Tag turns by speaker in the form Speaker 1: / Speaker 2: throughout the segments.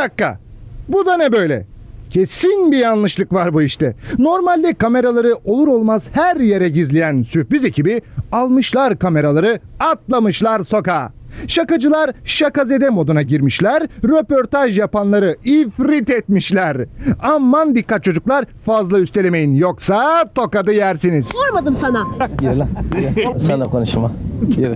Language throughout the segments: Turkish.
Speaker 1: dakika. Bu da ne böyle? Kesin bir yanlışlık var bu işte. Normalde kameraları olur olmaz her yere gizleyen sürpriz ekibi almışlar kameraları, atlamışlar sokağa. Şakacılar şakazede moduna girmişler, röportaj yapanları ifrit etmişler. Aman dikkat çocuklar, fazla üstelemeyin yoksa tokadı yersiniz.
Speaker 2: Sormadım sana.
Speaker 3: Yürü lan. Sana konuşma. Yürü.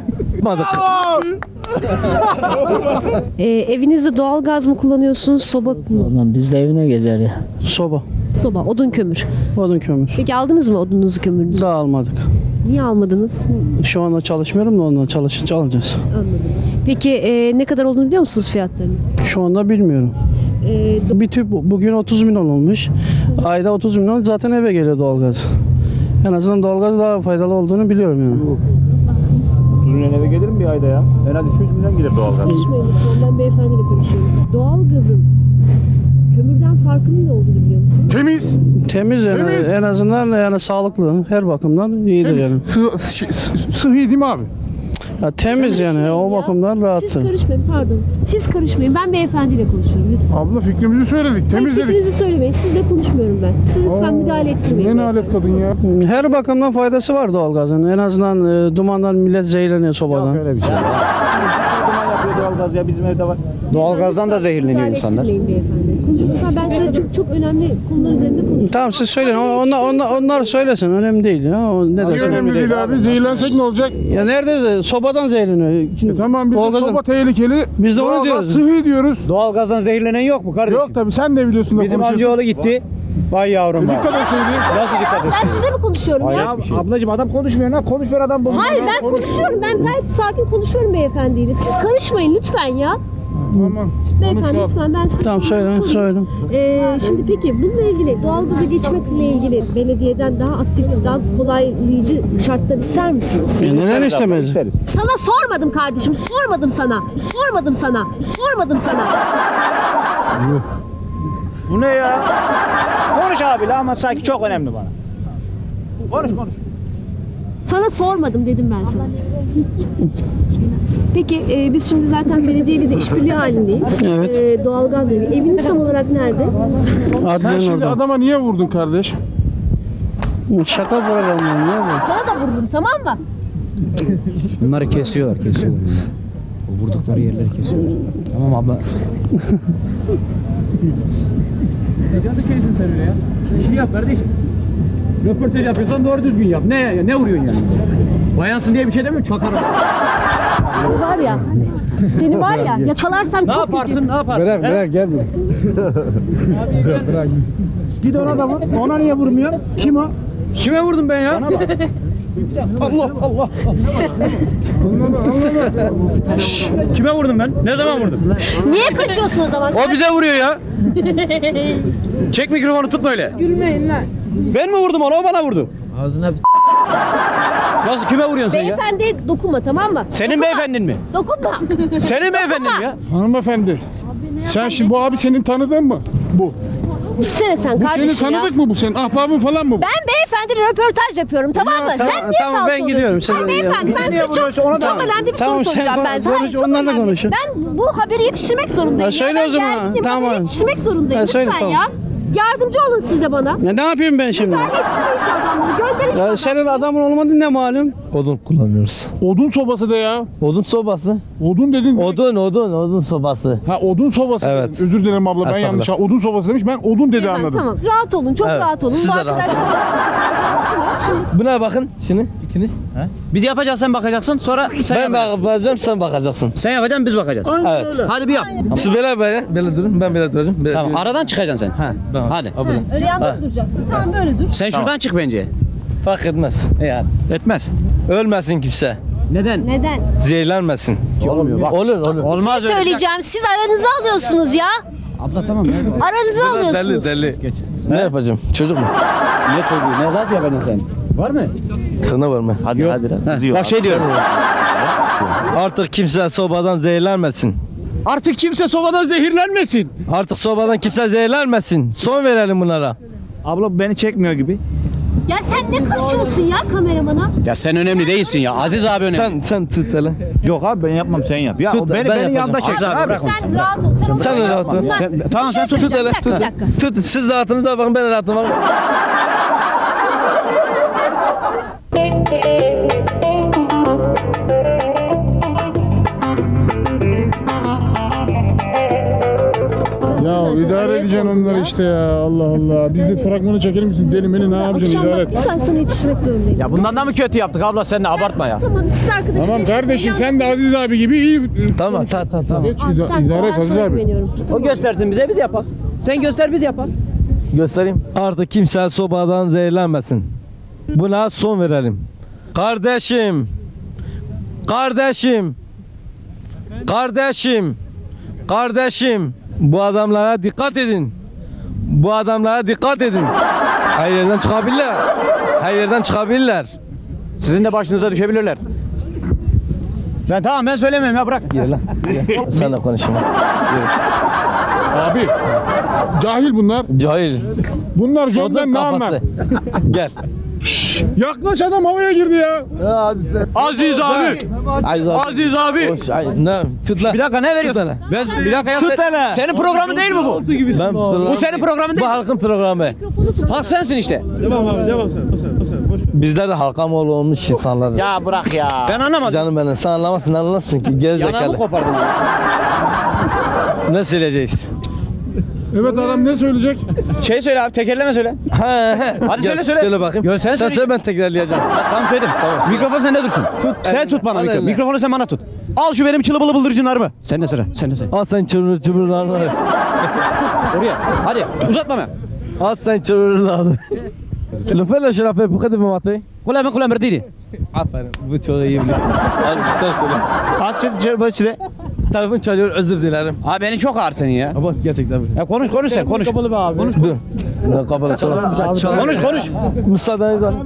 Speaker 2: Evinizde doğalgaz mı kullanıyorsunuz, soba mı?
Speaker 4: Ulan biz de evine gezer ya.
Speaker 5: Soba,
Speaker 2: Soba, odun kömür.
Speaker 5: odun kömür.
Speaker 2: Peki aldınız mı odunuzu, kömürünüzü?
Speaker 5: Daha almadık.
Speaker 2: Niye almadınız?
Speaker 5: Şu anda çalışmıyorum da ondan çalışınca alacağız.
Speaker 2: Anladım. Peki ne kadar olduğunu biliyor musunuz fiyatlarını?
Speaker 5: Şu anda bilmiyorum. Bir tüp bugün 30 milyon olmuş. Ayda 30 milyon zaten eve geliyor doğalgaz. En azından doğalgaz daha faydalı olduğunu biliyorum yani.
Speaker 6: 30 milyon eve gelir mi bir ayda ya? En az 200 milyon gelir doğalgaz.
Speaker 2: Konuşmayın lütfen, ben beyefendiyle konuşuyorum. Doğalgazın kömürden farkının ne olduğunu biliyor musunuz?
Speaker 1: Temiz.
Speaker 5: Temiz yani
Speaker 1: Temiz.
Speaker 5: en azından yani sağlıklı her bakımdan iyidir yani.
Speaker 1: Sıhhi değil mi abi?
Speaker 5: Ya temiz yani o bakımdan
Speaker 2: Siz
Speaker 5: rahattır.
Speaker 2: karışmayın, pardon. Siz karışmayın, ben beyefendiyle konuşuyorum lütfen.
Speaker 1: Abla fikrimizi söyledik,
Speaker 2: Hayır, fikrinizi söylemeyin, sizle konuşmuyorum ben. Siz lütfen müdahale ettirmeyin.
Speaker 1: Ne alet kadın ya?
Speaker 5: Her bakımdan faydası var doğalgazın. En azından dumandan millet zehirleniyor sobadan.
Speaker 6: Öyle bir şey. Duman yapıyor doğalgaz ya bizim evde var. Doğalgazdan da zehirleniyor
Speaker 2: Müdahale
Speaker 6: insanlar.
Speaker 2: ettirmeyin beyefendi. Konuşmasam ben size çok önemli konular üzerinde konuşuyorum.
Speaker 5: Tamam siz söyleyin. Onlar söylesin. Önemli değil ya. O ne dersin?
Speaker 1: Önemli değil abi. Zehirlensek ne olacak?
Speaker 5: Ya nerede? Sobadan zehirleniyor.
Speaker 1: Tamam biz de
Speaker 5: Doğalgazın-
Speaker 1: soba tehlikeli.
Speaker 5: Biz de onu
Speaker 1: Doğalgaz
Speaker 5: diyoruz.
Speaker 1: sıhhi diyoruz.
Speaker 6: Doğalgazdan zehirlenen yok mu kardeşim?
Speaker 1: Yok tabii sen de biliyorsun da
Speaker 6: Bizim
Speaker 1: konuşuyorsun.
Speaker 6: amcaoğlu gitti. Vay yavrum vay.
Speaker 1: Dikkat etseydin.
Speaker 6: Nasıl dikkat
Speaker 2: Ben
Speaker 6: etsin?
Speaker 2: size mi konuşuyorum ya?
Speaker 6: Ya ablacığım adam konuşmuyor lan. Konuşmuyor adam bu.
Speaker 2: Hayır ben konuşuyorum. Ben gayet sakin konuşuyorum beyefendiyle. Siz karışmayın lütfen ya.
Speaker 1: Tamam.
Speaker 2: Beyefendi lütfen ben size
Speaker 5: Tamam söyle.
Speaker 2: Şimdi peki bununla ilgili doğalgaza geçmekle ilgili belediyeden daha aktif, daha kolaylayıcı şartlar ister misiniz?
Speaker 5: Neden istemez?
Speaker 2: Sana sormadım kardeşim. Sormadım sana. Sormadım sana. Sormadım sana.
Speaker 6: Bu ne ya? Konuş abi la ama sanki çok önemli bana. Konuş.
Speaker 2: Sana sormadım dedim ben sana. Peki biz şimdi zaten belediyeyle de işbirliği halindeyiz.
Speaker 5: Evet.
Speaker 2: Doğalgaz dedi. Eviniz tam olarak nerede?
Speaker 1: Sen
Speaker 5: Adliyenin
Speaker 1: şimdi
Speaker 5: orada.
Speaker 1: adama niye vurdun kardeş?
Speaker 5: Şaka programı ne bu?
Speaker 2: Sana da vururum, tamam mı?
Speaker 7: Bunları kesiyorlar. O vurdukları yerleri kesiyorlar. Tamam abla.
Speaker 8: Ne canlı şeysin sen öyle ya? İşini yap kardeşim. Röportaj yapıyorsan doğru düzgün yap. Ne vuruyorsun yani? Bayansın diye bir şey demiyorum. Çakarım.
Speaker 2: Seni var ya yakalarsam
Speaker 8: Ne
Speaker 2: çok
Speaker 8: yaparsın? Ne yaparsın?
Speaker 1: Bırak gel.
Speaker 6: Git ona da vur. Ona niye vurmuyor? Kim o?
Speaker 8: Kime vurdum ben ya? Allah. Şşş, kime vurdum ben? Ne zaman vurdum?
Speaker 2: Niye kaçıyorsun o zaman?
Speaker 8: O bize vuruyor ya. Çek mikrofonu tutma öyle. Gülmeyin lan. Ben mi vurdum onu? O bana vurdu.
Speaker 7: Ağzına
Speaker 8: Nasıl kime vuruyorsun sen ya?
Speaker 2: Beyefendi dokunma, tamam mı?
Speaker 8: Senin beyefendin mi?
Speaker 2: Dokunma.
Speaker 8: Senin beyefendin mi ya?
Speaker 1: Hanımefendi. Sen şimdi bu abi senin tanıdığın mı? Bu.
Speaker 2: Gitsene sen
Speaker 1: Bu
Speaker 2: kardeşim
Speaker 1: senin
Speaker 2: ya.
Speaker 1: tanıdık mı bu? Senin ahbabın falan mı bu?
Speaker 2: Ben beyefendiyle röportaj yapıyorum, tamam mı?
Speaker 5: tamam,
Speaker 2: Sen niye
Speaker 5: tamam,
Speaker 2: salça
Speaker 5: ben gidiyorum,
Speaker 2: oluyorsun?
Speaker 5: sen
Speaker 2: Hayır
Speaker 5: de
Speaker 2: beyefendi ben
Speaker 6: Niye
Speaker 2: size
Speaker 6: vuruyorsun? Ona da-
Speaker 2: çok önemli bir
Speaker 5: Tamam,
Speaker 2: soru
Speaker 5: sen
Speaker 2: soracağım ben size.
Speaker 5: konuş,
Speaker 2: Hayır, çok
Speaker 5: onlarla
Speaker 2: önemli.
Speaker 5: konuşun.
Speaker 2: Ben bu haberi yetiştirmek zorundayım.
Speaker 5: Ya söyle
Speaker 2: Ben
Speaker 5: o zaman,
Speaker 2: gerginim,
Speaker 5: tamam.
Speaker 2: haberi yetiştirmek zorundayım.
Speaker 5: Ya söyle,
Speaker 2: Lütfen
Speaker 5: tamam.
Speaker 2: ya. Yardımcı olun siz de bana.
Speaker 5: Ne yapayım ben şimdi?
Speaker 2: Müdahale ettirmeyin şu adamları. Gönderin şu
Speaker 5: Ya
Speaker 2: adamları.
Speaker 5: senin adamın olmadı ne malum?
Speaker 3: Odun kullanıyoruz.
Speaker 1: Odun sobası da ya.
Speaker 3: Odun sobası.
Speaker 1: Odun dedin.
Speaker 3: Odun sobası.
Speaker 1: Ha odun sobası.
Speaker 3: Evet.
Speaker 1: dedim. Özür dilerim abla ben
Speaker 3: Estağfurullah.
Speaker 1: yanlış. Odun sobası demiş. Ben odun dedi
Speaker 2: Beyefendi,
Speaker 1: anladım.
Speaker 2: Tamam rahat olun, çok
Speaker 3: Evet,
Speaker 2: rahat olun.
Speaker 3: siz
Speaker 2: Bu
Speaker 3: de rahat
Speaker 2: arkadaşlar...
Speaker 3: Buna bakın şimdi ikiniz.
Speaker 8: Biz yapacağız sen bakacaksın sonra sen
Speaker 3: Ben
Speaker 8: yapacaksın.
Speaker 3: bakacağım sen bakacaksın.
Speaker 8: Sen yapacaksın biz bakacağız.
Speaker 3: Evet.
Speaker 8: Hadi bir yap.
Speaker 3: Siz böyle durun ben böyle duracağım. Böyle,
Speaker 8: Tamam aradan çıkacaksın sen.
Speaker 3: Ha, tamam.
Speaker 8: Hadi.
Speaker 3: Abone.
Speaker 2: Öyle yanda mı duracaksın? Tamam böyle dur.
Speaker 8: Sen şuradan çık bence.
Speaker 3: Fark etmez. Yani.
Speaker 8: Etmez.
Speaker 3: Ölmesin kimse.
Speaker 8: Neden?
Speaker 2: Neden?
Speaker 3: Zehirlenmesin.
Speaker 8: Olmuyor bak.
Speaker 3: Olur.
Speaker 8: Olmaz öyle.
Speaker 2: Söyleyeceğim. Siz aranızı alıyorsunuz ya.
Speaker 8: Abla tamam ya.
Speaker 2: Aranızı alıyorsunuz.
Speaker 3: Deli. Ne yapacağım? Çocuk mu?
Speaker 6: Ne çocuğu? Ne gaz yapacaksın sen? Var mı?
Speaker 3: Sana var mı?
Speaker 6: Hadi hadi.
Speaker 8: Bak şey diyorum.
Speaker 3: Artık kimse sobadan zehirlenmesin.
Speaker 8: Artık kimse sobadan
Speaker 2: Ya sen ne karışıyorsun ya kameramana?
Speaker 8: Ya sen önemli değilsin ya. Aziz abi önemli.
Speaker 3: Sen tut hele.
Speaker 6: Yok abi ben yapmam sen yap. Ya
Speaker 3: Tut,
Speaker 6: o
Speaker 3: ben
Speaker 6: beni
Speaker 3: yapacağım.
Speaker 6: yanında çek
Speaker 8: Aziz abi,
Speaker 6: abi.
Speaker 8: bırak onu.
Speaker 2: Sen rahat ol. Sen,
Speaker 3: Sen
Speaker 2: onları
Speaker 3: rahat ol.
Speaker 2: yapma.
Speaker 6: Sen-
Speaker 2: Bir
Speaker 6: tamam,
Speaker 2: şey
Speaker 6: sen tut,
Speaker 3: Tut
Speaker 2: söyleyeceğim.
Speaker 3: hele
Speaker 2: Bir dakika,
Speaker 3: tut.
Speaker 2: bir dakika.
Speaker 3: Tut siz rahatınıza bakın ben rahatıma bakın.
Speaker 9: Ya
Speaker 2: Sen
Speaker 9: idare
Speaker 2: araya
Speaker 9: edeceksin
Speaker 2: koydun
Speaker 9: onları
Speaker 2: ya.
Speaker 9: işte ya. Allah Allah. Biz de fragmanı çekelim misin? Deli beni ne yapacaksın?
Speaker 2: Akşam
Speaker 9: İdare
Speaker 2: bak bir
Speaker 9: et.
Speaker 2: saat sonra yetişmek zorundayım.
Speaker 6: Ya bundan da mı kötü yaptık abla sen de abartma ya.
Speaker 2: Tamam siz arkadaşı
Speaker 9: Tamam
Speaker 2: destekleyin,
Speaker 9: kardeşim
Speaker 2: yan-
Speaker 9: sen de Aziz abi gibi iyi.
Speaker 3: Tamam tamam.
Speaker 9: Geç
Speaker 2: Abi sen
Speaker 9: idare et
Speaker 2: ben
Speaker 9: Aziz
Speaker 2: sana
Speaker 9: abi.
Speaker 2: güveniyorum.
Speaker 6: O göstersin bize biz yapar. Sen göster biz yapar.
Speaker 3: Göstereyim. Artık kimse sobadan zehirlenmesin. Buna son verelim. Kardeşim. Kardeşim. Kardeşim. Kardeşim. Bu adamlara dikkat edin. Bu adamlara dikkat edin. Her yerden çıkabilirler. Her yerden çıkabilirler.
Speaker 6: Sizin de başınıza düşebilirler. Ben tamam ben söylemiyorum ya bırak.
Speaker 3: Yürü lan. Yürü. Sen de konuşma. Yürü.
Speaker 9: Abi cahil bunlar.
Speaker 3: Cahil.
Speaker 9: Bunlar
Speaker 3: Odun
Speaker 9: jobden ne anlar?
Speaker 3: kafası. Gel.
Speaker 9: Yaklaş adam havaya girdi ya.
Speaker 6: Aziz abi. Aziz abi.
Speaker 3: Hoş, ay, ne? Tut lan.
Speaker 6: Bir dakika ne veriyorsun?
Speaker 3: hele.
Speaker 6: Ben, bir dakika ya.
Speaker 3: Tut
Speaker 6: sen-
Speaker 3: hele.
Speaker 6: Senin programın değil mi bu?
Speaker 3: Ben
Speaker 6: Bu senin programın
Speaker 3: Bu
Speaker 6: değil mi?
Speaker 3: halkın programı.
Speaker 6: Halk sensin işte.
Speaker 3: Bizler de halka mal olmuş insanlarız.
Speaker 6: Ya bırak ya. Ben anlamadım.
Speaker 3: Canım benim sen anlamazsın anlamazsın ki
Speaker 6: Yanağımı
Speaker 3: gerizekalı.
Speaker 6: kopardın.
Speaker 3: Ne söyleyeceğiz?
Speaker 9: Evet adam ne söyleyecek?
Speaker 6: Şey söyle abi tekerleme söyle. Hadi
Speaker 3: Gel,
Speaker 6: söyle söyle.
Speaker 3: Söyle bakayım.
Speaker 6: Yo, sen söyle.
Speaker 3: söyle ben tekrarlayacağım.
Speaker 6: Tamam söyledim. Mikrofon sende dursun. Sen tut bana
Speaker 3: Al
Speaker 6: mikrofonu.
Speaker 3: eline.
Speaker 6: Mikrofonu sen bana tut. Al şu benim çılı bılı bıldırcınlarımı. Sen de sıra. Sen de sıra.
Speaker 3: Al sen çırırlarını.
Speaker 6: Oraya. Hadi uzatma ben.
Speaker 3: Al sen çırırlarını. Le fais le şerafe bu kadar mı matı?
Speaker 6: Kulağımı merdini.
Speaker 3: Aferin bu çok iyi biliyor. Al sen söyle.
Speaker 6: Az söyle.
Speaker 3: Telefon çalıyor özür dilerim.
Speaker 6: Abi beni çok ağır senin ya.
Speaker 3: Ama gerçekten.
Speaker 6: Ya konuş sen konuş.
Speaker 3: Konuş. Dur. Ne kapalı sana.
Speaker 6: Konuş.
Speaker 3: Müsaadeniz var.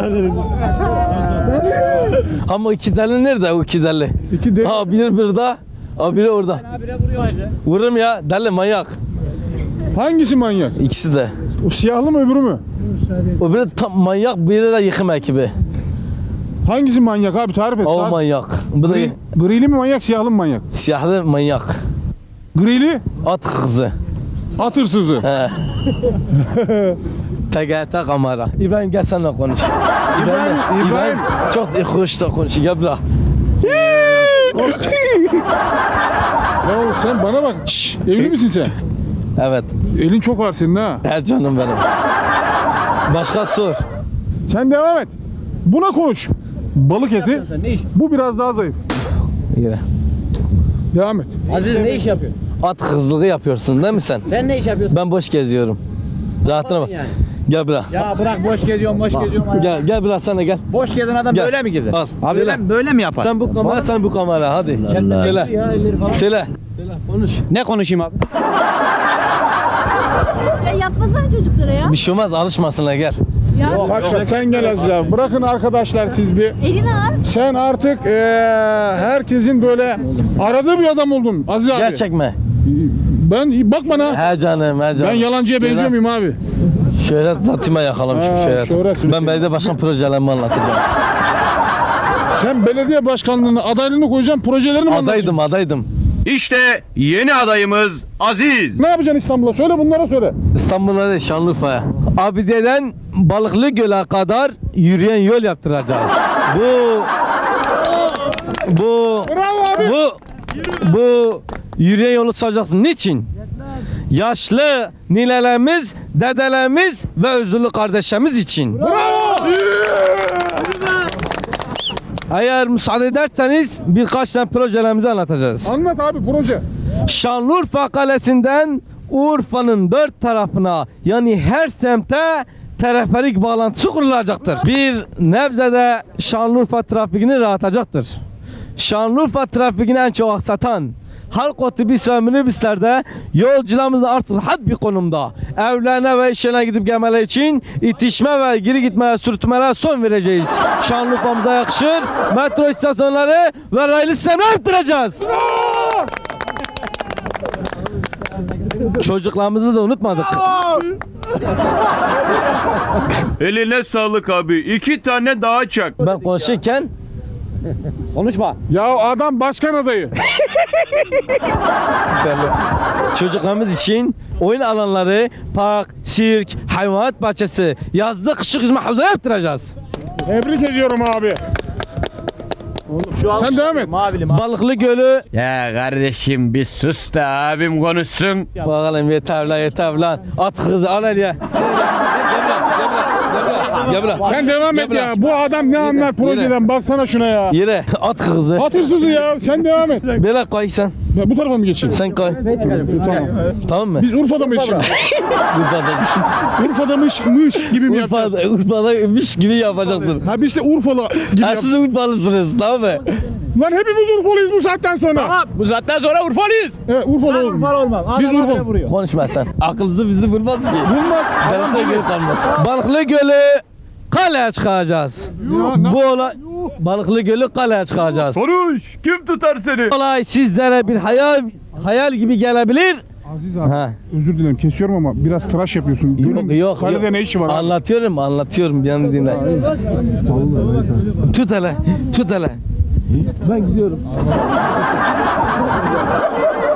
Speaker 3: Ama iki deli nerede o iki deli?
Speaker 9: İki deli.
Speaker 3: Ha biri burada. Ha biri orada. Vururum ya deli manyak.
Speaker 9: Hangisi manyak?
Speaker 3: İkisi de.
Speaker 9: O siyahlı mı öbürü mü?
Speaker 3: O biri tam manyak biri de yıkım ekibi.
Speaker 9: Hangisi manyak abi tarif et.
Speaker 3: O manyak. Bu da
Speaker 9: Grili mi manyak siyahlı mı manyak?
Speaker 3: siyahlı manyak.
Speaker 9: Grili
Speaker 3: At kızı.
Speaker 9: at hırsızı.
Speaker 3: He. TGT kamera. İbrahim gel seninle konuş.
Speaker 9: İbrahim.
Speaker 3: Çok hoş da konuş. Gel bırak.
Speaker 9: Ya sen bana bak. Şşş, evli misin sen?
Speaker 3: Evet.
Speaker 9: Elin çok ağır senin ha.
Speaker 3: Her canım benim. Başka sor.
Speaker 9: Sen devam et. Buna konuş. Balık eti. Bu biraz daha zayıf.
Speaker 3: Yürü.
Speaker 9: Devam et.
Speaker 8: Aziz ne iş yapıyor?
Speaker 3: At kızlığı yapıyorsun değil mi sen?
Speaker 8: Sen ne iş yapıyorsun?
Speaker 3: Ben boş geziyorum. Rahatına bak.
Speaker 8: yani?
Speaker 3: Gel bırak.
Speaker 6: Ya bırak boş geziyorum.
Speaker 3: Gel bırak sen de gel.
Speaker 6: Boş gezen adam
Speaker 3: Gel.
Speaker 6: böyle mi gezer?
Speaker 3: Al,
Speaker 6: Abi
Speaker 3: söyle.
Speaker 6: böyle mi yapar?
Speaker 3: Sen bu kamera sen bu kamera hadi. Söyle. Söyle. Konuş.
Speaker 6: Ne konuşayım abi?
Speaker 2: Ya yapmasana çocuklara ya.
Speaker 3: Bir şey olmaz alışmasınlar gel.
Speaker 2: Ya
Speaker 9: Başka sen gel Aziz abi. Bırakın arkadaşlar siz bir.
Speaker 2: elini ağır.
Speaker 9: Sen artık herkesin böyle aradığı bir adam oldun Aziz abi.
Speaker 3: Gerçek mi?
Speaker 9: Ben bak bana.
Speaker 3: He canım he canım.
Speaker 9: Ben yalancıya
Speaker 3: Şöyle-
Speaker 9: benziyor muyum abi?
Speaker 3: Şöhret zatıma yakalamışım
Speaker 9: Ha,
Speaker 3: şöhret.
Speaker 9: şöhret
Speaker 3: Ben
Speaker 9: Hüseyin.
Speaker 3: belediye başkan projelerimi anlatacağım.
Speaker 9: Sen belediye başkanlığına adaylığını koyacaksın, projelerini mi anlatacaksın?
Speaker 3: Adaydım.
Speaker 10: İşte yeni adayımız Aziz.
Speaker 9: Ne yapacaksın İstanbul'a? Söyle bunlara söyle.
Speaker 3: İstanbul'a değil Şanlıurfa'ya. Abide'den Balıklı Göl'e kadar yürüyen yol yaptıracağız.
Speaker 9: Bravo abi.
Speaker 3: Bu yürüyen yolu tutacaksın. Niçin? Yaşlı ninelerimiz, dedelerimiz ve özürlü kardeşlerimiz için. Eğer müsaade ederseniz birkaç tane projelerimizi anlatacağız.
Speaker 9: Anlat abi proje.
Speaker 3: Şanlıurfa Kalesi'nden Urfa'nın dört tarafına yani her semte teleferik bağlantısı kurulacaktır. Bir nebzede Şanlıurfa trafiğini rahatlayacaktır. Şanlıurfa trafiğini en çok aksatan halk otobüs ve minibüslerde yolcularımızın artık rahat bir konumda evlerine ve işlerine gidip gelmeleri için itişme ve geri gitmeye sürtmelere son vereceğiz. Şanlıurfa'mıza yakışır metro istasyonları ve raylı sistemini arttıracağız. Çocuklarımızı da unutmadık.
Speaker 10: Eline sağlık abi. 2 tane daha çak.
Speaker 3: Ben konuşurken
Speaker 8: Konuşma.
Speaker 9: Ya adam başkan adayı.
Speaker 3: çocuklarımız için oyun alanları, park, sirk, hayvanat bahçesi, yazlık kışlık hizmet havuzu yaptıracağız.
Speaker 9: Tebrik ediyorum abi.
Speaker 6: Şu
Speaker 9: Sen devam et.
Speaker 6: Mavili
Speaker 3: Balıklı Gölü.
Speaker 10: Ya kardeşim bir sus da abim konuşsun.
Speaker 3: Bakalım yeter lan yeter lan. At kızı al el ya. Gel buraya.
Speaker 9: Sen devam et
Speaker 3: Gel
Speaker 9: ya.
Speaker 3: buraya.
Speaker 9: Bu adam ne anlar projeden? Baksana şuna ya.
Speaker 3: Yere at kızı.
Speaker 9: At hırsızı ya. Sen devam et.
Speaker 3: Böyle koy sen.
Speaker 9: Ya bu tarafa mı geçeyim?
Speaker 3: Sen koy.
Speaker 9: Tamam.
Speaker 3: Tamam mı?
Speaker 9: Biz Urfa'da mıyız şimdi? Urfa'da mış gibi mi yapacağız?
Speaker 3: Urfa'daymış gibi yapacaksın.
Speaker 9: Ha biz de Urfalı gibi
Speaker 3: Ha,
Speaker 9: yap.
Speaker 3: siz Urfalısınız tamam mı?
Speaker 9: Lan hepimiz Urfalıyız bu saatten sonra.
Speaker 6: Tamam. Bu saatten sonra Urfalıyız.
Speaker 9: Evet Urfalı
Speaker 6: Ben
Speaker 9: olalım.
Speaker 6: Urfalı olmam.
Speaker 9: Biz
Speaker 6: Adam
Speaker 9: Urfalı.
Speaker 6: vuruyor.
Speaker 3: Konuşma sen. Akıllısı bizi vurmaz ki.
Speaker 9: Bulmaz.
Speaker 3: Derse göre kalmaz. Balıklı Gölü kaleye çıkacağız. Bu olay Balıklı Gölü kaleye çıkacağız.
Speaker 10: Konuş. Kim tutar seni?
Speaker 3: Olay sizlere bir hayal gibi gelebilir.
Speaker 9: Aziz abi
Speaker 3: Ha.
Speaker 9: özür dilerim kesiyorum ama biraz tıraş yapıyorsun.
Speaker 3: Yok.
Speaker 9: Kalede ne işi var abi?
Speaker 3: Anlatıyorum bir yanı dinle. Tut hele. Ben gidiyorum.